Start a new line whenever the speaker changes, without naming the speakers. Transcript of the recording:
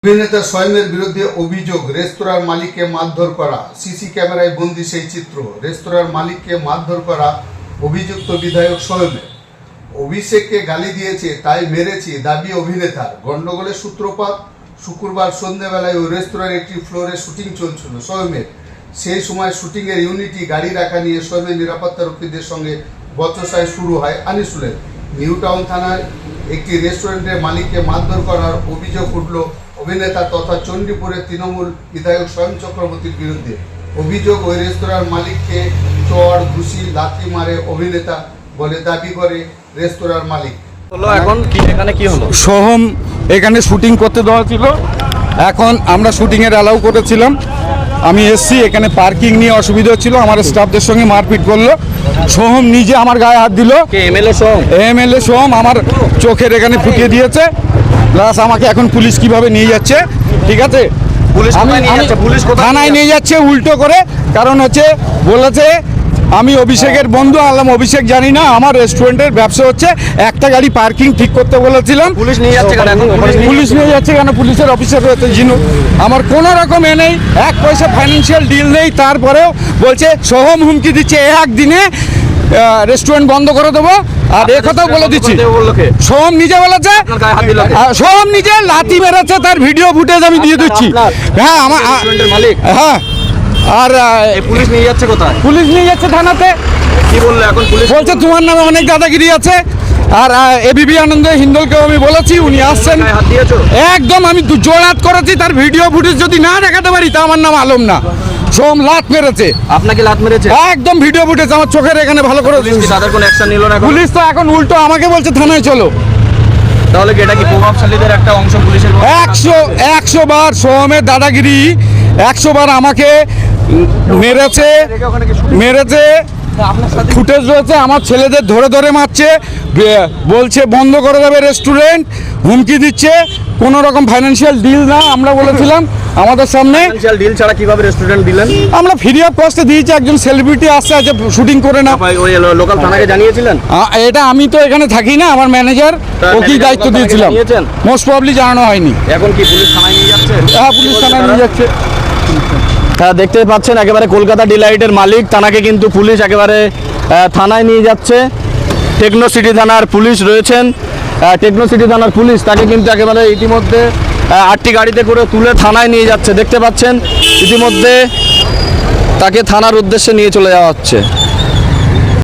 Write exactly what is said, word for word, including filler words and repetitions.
অভিনেতা সোয়েমের বিরুদ্ধে অভিযোগ, রেস্তোরাঁর মালিককে মারধর করা। সিসি ক্যামেরায় বন্দী সেই চিত্র। রেস্তোরাঁর মালিককে মারধর করা অভিযুক্ত বিধায়ক সোয়েমের। অভিষেককে গালি দিয়েছে তাই মেরেছি দাবি অভিনেতার। গন্ডগোলের সূত্রপাত শুক্রবার সন্ধ্যাবেলায় ওই রেস্তোরাঁর একটি ফ্লোরে শুটিং চলছিল সোয়েমের। সেই সময় শুটিংয়ের ইউনিটি গাড়ি রাখা নিয়ে সোয়েমের নিরাপত্তারক্ষীদের সঙ্গে বচসায় শুরু হয় আনিসুলের। নিউ টাউন থানায় একটি রেস্টুরেন্টের মালিককে মারধর করার অভিযোগ উঠল অভিনেতা তথা চণ্ডীপুরের তৃণমূল বিধায়ক সোয়েম চক্রবর্তীর বিরুদ্ধে। অভিযোগ, ওই রেস্তোরাঁর মালিককে চড় ঘুষি লাথি মারে অভিনেতা বলে দাবি করে রেস্তোরাঁর মালিক।
এখন কি এখানে কি হলো?
সোহম এখানে শুটিং করতে দেওয়া ছিল, এখন আমরা শুটিংয়ের অ্যালাউ করেছিলাম। আমি এসছি, এখানে পার্কিং নিয়ে অসুবিধা হচ্ছিল, আমার স্টাফদের সঙ্গে মারপিট করলো। সোহম নিজে আমার গায়ে হাত দিল।
এমএলএ সোহম
এমএলএ সোহম আমার চোখের এখানে ফুটিয়ে দিয়েছে, প্লাস আমাকে এখন পুলিশ কিভাবে নিয়ে যাচ্ছে, ঠিক আছে,
পুলিশ কোথায় নিয়ে যাচ্ছে? পুলিশ কোথায়
থানায় নিয়ে যাচ্ছে উল্টো করে। কারণ হচ্ছে বলেছে আমি অভিষেকের বন্ধু। আলাম অভিষেক জানি না, আমার রেস্টুরেন্টের ব্যবসা হচ্ছে, একটা গাড়ি পার্কিং ঠিক করতে বলেছিলাম।
পুলিশ নিয়ে যাচ্ছে কেন? এখন
পুলিশ নিয়ে যাচ্ছে কেন? পুলিশের অফিসার রয়েছে জিনু, আমার কোনো রকম এ নেই, এক পয়সা ফাইন্যান্সিয়াল ডিল নেই। তারপরেও বলছে সোহম হুমকি দিচ্ছে একদিনে রেস্টুরেন্ট বন্ধ করে দেবো। আর এ কথাও বলে দিচ্ছি, সোহম নিজে বলেছে, সোহম নিজে লাথি মেরেছে, তার ভিডিও ফুটেজ আমি দিয়ে দিচ্ছি। হ্যাঁ আমার
মালিক।
হ্যাঁ, আর
পুলিশ নিয়ে যাচ্ছে কোথায়?
পুলিশ নিয়ে যাচ্ছে থানাতে।
কি বললো এখন পুলিশ?
বলছে তোমার নামে অনেক দাদাগিরি আছে। আর এবিপি আনন্দ হিন্দলকেও আমি বলেছি, উনি আসছেন।
হাত দিয়েছো?
একদম আমি জোড়াত করেছি, তার ভিডিও ফুটেজ যদি না দেখাতে পারি তা আমার নাম আলম না। সোম লাত মেরেছে।
আপনাকে লাত মেরেছে?
একদম ভিডিও ফুটেজ আমার চোখের এখানে ভালো করে।
তাদের কোনো অ্যাকশন নিল না?
পুলিশ তো এখন উল্টো আমাকে বলছে থানায় চলো।
তাহলে কি এটা কি প্রভাবশালীদের একটা অংশ পুলিশের?
একশো একশো বার সোহমের দাদাগিরি, একশো বার আমাকে মেরেছে মেরেছে ফুটেজ রয়েছে, আমার ছেলেদের ধরে ধরে মারছে, বলছে বন্ধ করে দেবে রেস্টুরেন্ট, হুমকি দিচ্ছে। কোনো রকম ফাইন্যান্সিয়াল ডিল না, আমরা বলেছিলাম আমাদের সামনে।
ফাইন্যান্সিয়াল ডিল ছাড়া কিভাবে রেস্টুরেন্ট দিলেন?
আমরা ফ্রি অফ কস্টে দিয়েছি, একজন সেলিব্রিটি আসছে আছে শুটিং করে না।
ওই লোকাল থানাকে জানিয়েছিলেন?
এটা আমি তো এখানে থাকি না, আমার ম্যানেজার ওকেই দায়িত্ব দিয়েছিলাম। মোস্ট প্রবাবলি জানানো হয়নি।
এখন কি পুলিশ থানায় নিয়ে যাচ্ছে?
হ্যাঁ, পুলিশ থানায় নিয়ে যাচ্ছে।
হ্যাঁ, দেখতে পাচ্ছেন একেবারে কলকাতা ডিলাইটের মালিক, তানাকে কিন্তু পুলিশ একেবারে থানায় নিয়ে যাচ্ছে। টেকনো সিটি থানার পুলিশ রয়েছেন, টেকনো সিটি থানার পুলিশ তাকে কিন্তু একেবারে ইতিমধ্যে আটটি গাড়িতে করে তুলে থানায় নিয়ে যাচ্ছে। দেখতে পাচ্ছেন ইতিমধ্যে তাকে থানার উদ্দেশ্যে নিয়ে চলে যাওয়া হচ্ছে।